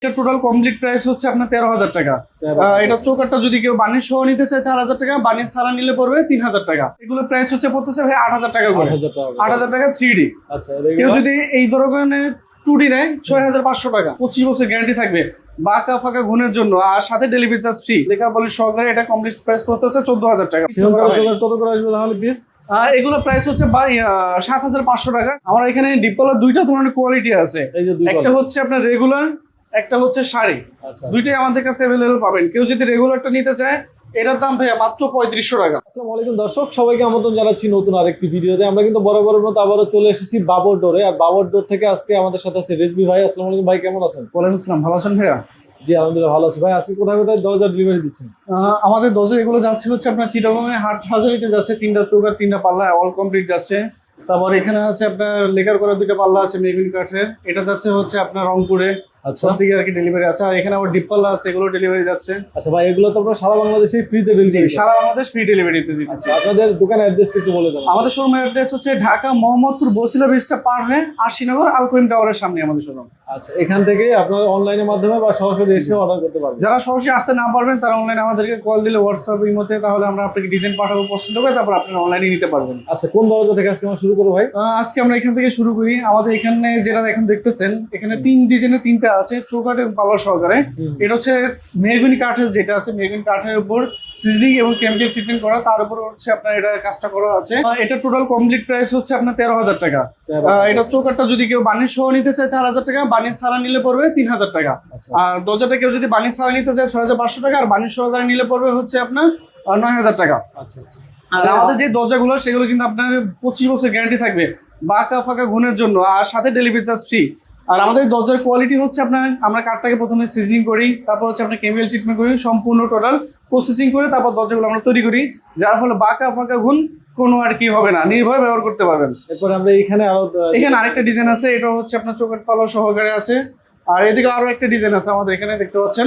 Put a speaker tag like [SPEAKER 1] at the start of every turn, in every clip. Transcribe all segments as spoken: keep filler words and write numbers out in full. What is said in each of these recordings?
[SPEAKER 1] এটা total complete price হচ্ছে আপনার তেরো হাজার টাকা। এটা চৌকাটটা যদি কেউ বানিশ সহ নিতে চায় চার হাজার টাকা, বানিশ ছাড়া নিলে পড়বে তিন হাজার টাকা। এগুলো প্রাইস হচ্ছে পড়তেছে ভাই আট হাজার টাকা করে, আট হাজার টাকা থ্রি ডি।
[SPEAKER 2] আচ্ছা,
[SPEAKER 1] কেউ যদি এই ধরনের টু ডি নেয় ছয় হাজার পাঁচশো টাকা, পঁচিশ বছর গ্যারান্টি থাকবে বাঁকা ফাঁকা গুণের জন্য, আর সাথে ডেলিভারি চার্জ ফ্রি। লেখা বলে সহকারে এটা কমপ্লিট প্রাইস পড়তেছে চোদ্দ হাজার টাকা।
[SPEAKER 2] কত করে আসবে তাহলে পিস?
[SPEAKER 1] এগুলো প্রাইস হচ্ছে সাত হাজার পাঁচশো টাকা। আমার এখানে ডিপলার দুইটা ধরনের কোয়ালিটি আছে, একটা হচ্ছে আপনার রেগুলার, একটা হচ্ছে শাড়ি। দুইটাই আমাদের কাছে অ্যাভেলেবল পাবেন। কেউ যদি রেগুলারটা নিতে চায় এটার দাম ভাইয়া মাত্র পঁয়ত্রিশশো টাকা।
[SPEAKER 2] আসসালামু আলাইকুম দর্শক, সবাইকে আমন্ত্রণ জানাচ্ছি নতুন আরেকটি ভিডিওতে। আমরা কিন্তু বরাবরের মতো আবারও চলে এসেছি বাবর ডোরে। আর বাবর ডোর থেকে আজকে আমাদের সাথে আছে রেজবি ভাই। আসসালামু আলাইকুম ভাই, কেমন আছেন?
[SPEAKER 1] ওয়ালাইকুম আসসালাম, ভালো আছেন ভাইয়া?
[SPEAKER 2] জি আলহামদুলিল্লাহ ভালো আছি ভাই। আজকে কোথায় কোথায় দরজা ডেলিভারি দিচ্ছেন?
[SPEAKER 1] আমাদের দরজা এগুলো যাচ্ছে হচ্ছে আপনার চিটাগংয়ে হাট হাজারিতে যাচ্ছে, তিনটা চৌকার তিনটা পাল্লা অল কমপ্লিট যাচ্ছে। তারপর এখানে আছে আপনার লেকার করা দুইটা পাল্লা আছে মেগুনি কাঠের, এটা যাচ্ছে হচ্ছে আপনার রংপুরে। আচ্ছা, দিকে আর কি ডেলিভারি আছে। আর এখানে আবার ডিপ পাল্লা আছে, এগুলো ডেলিভারি যাচ্ছে।
[SPEAKER 2] আচ্ছা ভাই, এগুলো তো আপনারা সারা বাংলাদেশে ফ্রিতে ডেলিভারি?
[SPEAKER 1] সারা বাংলাদেশ ফ্রি ডেলিভারিতে দিচ্ছি।
[SPEAKER 2] আচ্ছা, আপনাদের দোকানের অ্যাড্রেসটা একটু বলে দেন।
[SPEAKER 1] আমাদের শোরুমের অ্যাড্রেস হচ্ছে ঢাকা মোহাম্মদপুর বসিলা ব্রিজটা পার হয়ে আশিনগর আলকোইম টাওয়ারের সামনে আমাদের শোরুম।
[SPEAKER 2] আচ্ছা, এখান থেকে আপনারা অনলাইনের মাধ্যমে বা সরাসরি এসে অর্ডার করতে পারবেন।
[SPEAKER 1] যারা সরাসরি আসতে না পারবেন তারা অনলাইনে আমাদেরকে কল দিলে হোয়াটসঅ্যাপ এর মধ্যে, তাহলে আমরা আপনাকে ডিজাইন পাঠাবো, পছন্দ করে তারপর আপনারা অনলাইনে নিতে পারবেন।
[SPEAKER 2] আচ্ছা, কোন দরজা থেকে আজকে আমরা শুরু করবো ভাই?
[SPEAKER 1] আজকে আমরা এখান থেকে শুরু করি। আমাদের এখানে যেটা এখন দেখতেছেন, এখানে তিন ডিজাইনের তিনটা আছে চৌকাঠের পাল্লা সহকারে। এটা হচ্ছে মেহগনি কাঠের, যেটা আছে মেহগনি কাঠের উপর সিজনিং এবং কেমিক্যাল ট্রিটমেন্ট করা, তার উপর হচ্ছে আপনার এটা কাজটা করা আছে। এটা টোটাল কমপ্লিট প্রাইস হচ্ছে আপনার তেরো হাজার টাকা। এটা চৌকাঠটা যদি কেউ বানিশ সহ নিতে চায় চার হাজার টাকা, বানিশ ছাড়া নিলে পড়বে তিন হাজার টাকা। আর দরজাটা কেউ যদি বানিশ ছাড়া নিতে চায় ছয় হাজার পাঁচশো টাকা, আর বানিশ সহকারে নিলে পড়বে হচ্ছে আপনার নয় হাজার টাকা।
[SPEAKER 2] আচ্ছা আচ্ছা।
[SPEAKER 1] আর আমাদের যে দরজাগুলো সেগুলো কিন্তু আপনার পঁচিশ বছর গ্যারান্টি থাকবে বাঁকা ফাঁকা গুণের জন্য, আর সাথে ডেলিভারি চার্জ ফ্রি। আর আমাদের দরজার কোয়ালিটি হচ্ছে আপনার, আমরা কাঠটাকে প্রথমে সিজনিং করি, তারপর হচ্ছে আপনার কেমিক্যাল ট্রিটমেন্ট করি, সম্পূর্ণ টোটাল প্রসেসিং করে তারপর দরজাগুলো আমরা তৈরি করি, যার ফলে বাঁকা ফাঁকা গুণ কোনো আর কি হবে না, নির্ভয়ে ব্যবহার করতে পারবেন।
[SPEAKER 2] এরপরে আমরা এখানে আরো
[SPEAKER 1] এখানে আরেকটা ডিজাইন আছে, এটা হচ্ছে আপনার চৌকাঠ পাল্লা সহকারে আছে। আর এদিকে আরো একটা ডিজাইন আছে আমাদের এখানে, দেখতে পাচ্ছেন।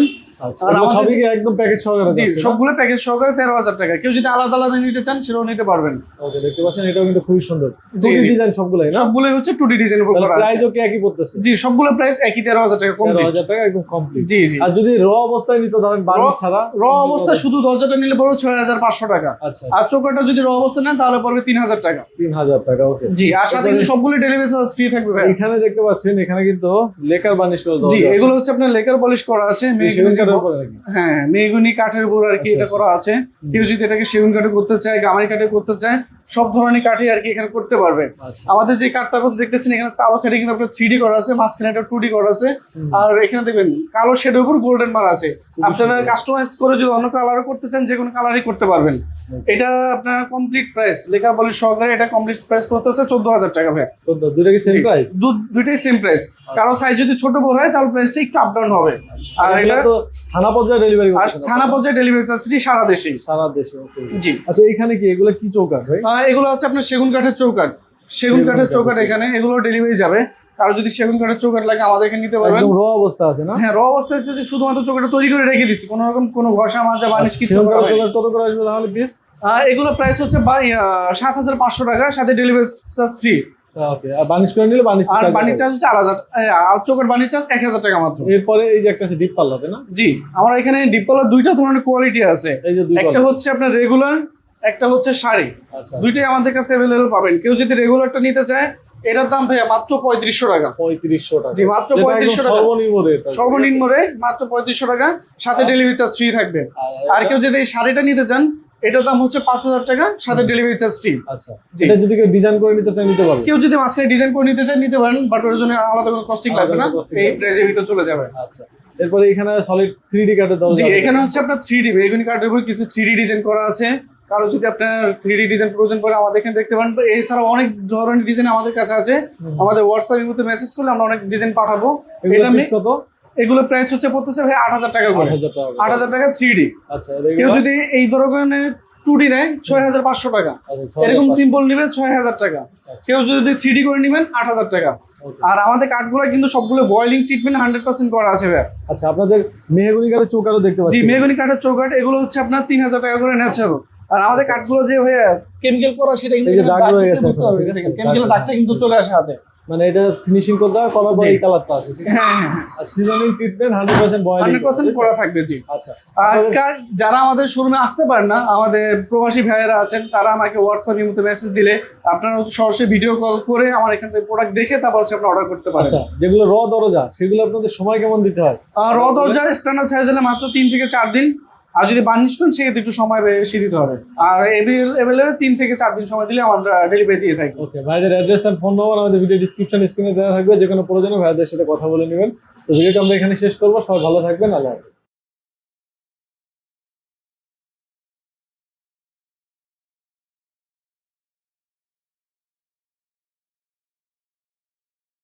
[SPEAKER 2] একদম প্যাকেজ সহকারে?
[SPEAKER 1] জি, সবগুলো প্যাকেজ সহকারে তেরো হাজার টাকা। কেউ যদি আলাদা আলাদা নিতে চান সেটাও নিতে পারবেন।
[SPEAKER 2] ওকে, দেখতে পাচ্ছেন এটাও কিন্তু খুবই সুন্দর। টু ডি ডিজাইন সবগুলাই না?
[SPEAKER 1] সবগুলোই হচ্ছে টু ডি ডিজাইনের উপর করা আছে।
[SPEAKER 2] প্রাইসও কি একই পড়তেছে?
[SPEAKER 1] জি, সবগুলো প্রাইস একই তেরো হাজার টাকা কমপ্লিট।
[SPEAKER 2] তেরো হাজার টাকা একদম কমপ্লিট।
[SPEAKER 1] জি জি।
[SPEAKER 2] আর যদি র অবস্থায় নিতে ধরেন বানিশ ছাড়া?
[SPEAKER 1] র অবস্থায় শুধু দরজাটা নিলে পড়বে ছয় হাজার পাঁচশো টাকা।
[SPEAKER 2] আচ্ছা।
[SPEAKER 1] আর চৌকাঠটা যদি র অবস্থায় নেন তাহলে পড়বে তিন হাজার টাকা।
[SPEAKER 2] তিন হাজার টাকা, ওকে।
[SPEAKER 1] জি, আর সাথে কিন্তু সবগুলো ডেলিভারি চার্জ ফ্রি থাকবে ভাই।
[SPEAKER 2] এখানে দেখতে পাচ্ছেন এখানে কিন্তু লেকার বানিশ করা আছে।
[SPEAKER 1] জি, এগুলো হচ্ছে আপনার লেকার পলিশ করা আছে মেহগনি কাঠের উপর। হ্যাঁ, মেহগনি কাঠের উপর আর কি এটা করা আছে। কেউ যদি এটাকে সেগুন কাঠে করতে চায়, গামারি কাঠে করতে চায়, সব ধরনের কাঠে আর কি এখানে করতে পারবে। আমাদের যে কাঠটা করতে দেখতেছেন এখানে চাওয়া সাইডে কিন্তু আপনার থ্রি ডি করা আছে, মাঝখানে একটা টু ডি করা আছে। আর এখানে দেখবেন কালো শেডের উপর গোল্ডেন মার আছে। আপনারা কাস্টমাইজ করে যদি অন্য কালারও করতে চান যে কোনো কালারই করতে পারবেন। এটা আপনার কমপ্লিট প্রাইস লেখা বলে সহকারে এটা কমপ্লিট প্রাইস পড়তেছে চোদ্দ হাজার টাকা ভাই।
[SPEAKER 2] চোদ্দ, দুইটা কি সেম প্রাইস?
[SPEAKER 1] দুইটাই সেম প্রাইস। কারো সাইজ যদি ছোট বড় হয় তাহলে প্রাইসটা একটু আপ ডাউন হবে। আর এটা
[SPEAKER 2] তো থানা পর্যায়ে ডেলিভারি করছেন?
[SPEAKER 1] থানা পর্যায়ে ডেলিভারি চার্জ ফ্রি সারা দেশে।
[SPEAKER 2] সারা দেশে, ওকে।
[SPEAKER 1] জি।
[SPEAKER 2] আচ্ছা, এখানে কি এগুলো কি চৌকাঠ ভাই?
[SPEAKER 1] এগুলো আছে আপনার সেগুন কাঠের চৌকাঠ। সেগুন কাঠের চৌকাঠ এখানে এগুলো ডেলিভারি যাবে। কারো যদি সেগুন কাঠের চৌকাঠ লাগে আমাদের এখানে নিতে পারবেন।
[SPEAKER 2] একদম র অবস্থা আছে না?
[SPEAKER 1] হ্যাঁ, র অবস্থায় আছে, শুধুমাত্র চৌকাঠটা তৈরি করে রেখে দিচ্ছি, কোনো রকম কোনো ঘষা মাজা বানিশ কিছু
[SPEAKER 2] সেগুন কাঠের চৌকাঠ কত করে আসবে তাহলে পিস?
[SPEAKER 1] এগুলো প্রাইস হচ্ছে সাত হাজার পাঁচশো টাকা, সাথে ডেলিভারি চার্জ ফ্রি।
[SPEAKER 2] ওকে, আর বানিশ করে নিলে বানিশ
[SPEAKER 1] আর বানিশ চার্জ হচ্ছে চার হাজার, আর চৌকাঠ বানিশ চার্জ এক হাজার টাকা মাত্র।
[SPEAKER 2] এরপরে এই যে একটা আছে ডিপ পাল্লা, তাই না?
[SPEAKER 1] জি, আমার এখানে ডিপ পাল্লার দুইটা ধরনের কোয়ালিটি আছে।
[SPEAKER 2] এই যে দুই
[SPEAKER 1] একটা হচ্ছে আপনার রেগুলার, একটা হচ্ছে শাড়ি।
[SPEAKER 2] আচ্ছা,
[SPEAKER 1] দুইটাই আমাদের কাছে অ্যাভেলেবল পাবেন। কেউ যদি রেগুলারটা নিতে চায় এটার দাম ভাইয়া মাত্র পঁয়ত্রিশশো টাকা।
[SPEAKER 2] পঁয়ত্রিশশো টাকা?
[SPEAKER 1] জি, মাত্র পঁয়ত্রিশশো টাকা
[SPEAKER 2] সর্বনিম্ন রেট।
[SPEAKER 1] সর্বনিম্ন রেট মাত্র পঁয়ত্রিশশো টাকা, সাথে ডেলিভারি চার্জ ফ্রি থাকবে। আর কেউ যদি এই শাড়িটা নিতে চান এটার দাম হচ্ছে পাঁচ হাজার টাকা, সাথে ডেলিভারি চার্জ ফ্রি।
[SPEAKER 2] আচ্ছা, এটা যদি কেউ ডিজাইন করে নিতে চায় নিতে পারবে?
[SPEAKER 1] কেউ যদি মাঝখানে ডিজাইন করে নিতে চায় নিতে পারেন, বাট ওর জন্য আলাদা কোনো কস্টিং লাগবে না, এই প্রাইসের ভিতরে চলে যাবে।
[SPEAKER 2] আচ্ছা, এরপরে এখানে সলিড থ্রি ডি কাঠের দরজা।
[SPEAKER 1] জি, এখানে হচ্ছে আপনার থ্রি ডি বেগুনি কাঠের উপর কিছু থ্রি ডি ডিজাইন করা আছে। কারো যদি আপনার থ্রি ডি ডিজাইন প্রয়োজন পড়ে আমাদের এখানে দেখতে পারেন। এছাড়াও অনেক ধরনের ডিজাইন আমাদের কাছে আছে। আমাদের হোয়াটসঅ্যাপের মধ্যে মেসেজ করলে আমরা অনেক ডিজাইন পাঠাবো।
[SPEAKER 2] এটা কত?
[SPEAKER 1] এগুলো প্রাইস হচ্ছে পড়তেছে ভাই আট হাজার টাকা করে, আট হাজার টাকা থ্রি ডি।
[SPEAKER 2] আচ্ছা,
[SPEAKER 1] কেউ যদি এই ধরনের টু ডি নেয় ছয় হাজার পাঁচশো টাকা, এরকম সিম্পল নিবে ছয় হাজার টাকা। কেউ যদি থ্রি ডি করে নেবেন আট হাজার টাকা। আর আমাদের কাঠগুলো কিন্তু সবগুলো বয়েলিং ট্রিটমেন্ট হান্ড্রেড পার্সেন্ট করা আছে ভাই।
[SPEAKER 2] আচ্ছা, আপনাদের মেহগনি কাঠের চৌকাঠও দেখতে পাচ্ছি।
[SPEAKER 1] জি, মেহগনি কাঠের চৌকাঠ এগুলো হচ্ছে আপনার তিন হাজার টাকা করে ন্যাচারাল। আর আমাদের কাঠগুলো যে ভাইয়া কেমিক্যাল করা সেটা কিন্তু
[SPEAKER 2] দাগ রয়ে গেছে,
[SPEAKER 1] কেমিক্যালের দাগটা কিন্তু চলে আসে হাতে।
[SPEAKER 2] মানে এটা ফিনিশিং করতে হয়, করার পর
[SPEAKER 1] জি।
[SPEAKER 2] এই কালারটা আসে, ঠিক আছে?
[SPEAKER 1] হ্যাঁ হ্যাঁ হ্যাঁ
[SPEAKER 2] আর seasoning treatment hundred percent boiling
[SPEAKER 1] hundred percent করা থাকবে জি।
[SPEAKER 2] আচ্ছা
[SPEAKER 1] আর কা- যারা আমাদের শোরুমে আসতে পারেন না, আমাদের প্রবাসী ভাইয়েরা আছেন, তারা আমাকে হোয়াটসঅ্যাপ ইমোতে মেসেজ দিলে আপনারা হচ্ছে সরাসরি ভিডিও কল করে আমার এখান থেকে প্রোডাক্ট দেখে তারপর হচ্ছে আপনি অর্ডার করতে পারেন।
[SPEAKER 2] আচ্ছা, যেগুলো র দরজা সেগুলো আপনাদের সময় কেমন দিতে হয়?
[SPEAKER 1] আর র দরজার স্ট্যান্ডার্ড সাইজ হলে মাত্র তিন থেকে চার দিন, আর যদি বার্নিশ করেন সেক্ষেত্রে একটু সময় বেশি দিতে হবে। আর এভেলেবেল তিন থেকে চার দিন সময় দিলে আমরা ডেলিভারি দিয়ে থাকি।
[SPEAKER 2] ওকে, ভাইদের অ্যাড্রেস আর ফোন নাম্বার আমাদের ভিডিও ডিসক্রিপশন স্ক্রিনে দেওয়া থাকবে, যে কোনো প্রয়োজনে ভাইদের সাথে কথা বলে নেবেন। তো ভিডিওটা আমরা এখানে শেষ করবো, সবাই ভালো থাকবেন, আল্লাহ হাফেজ।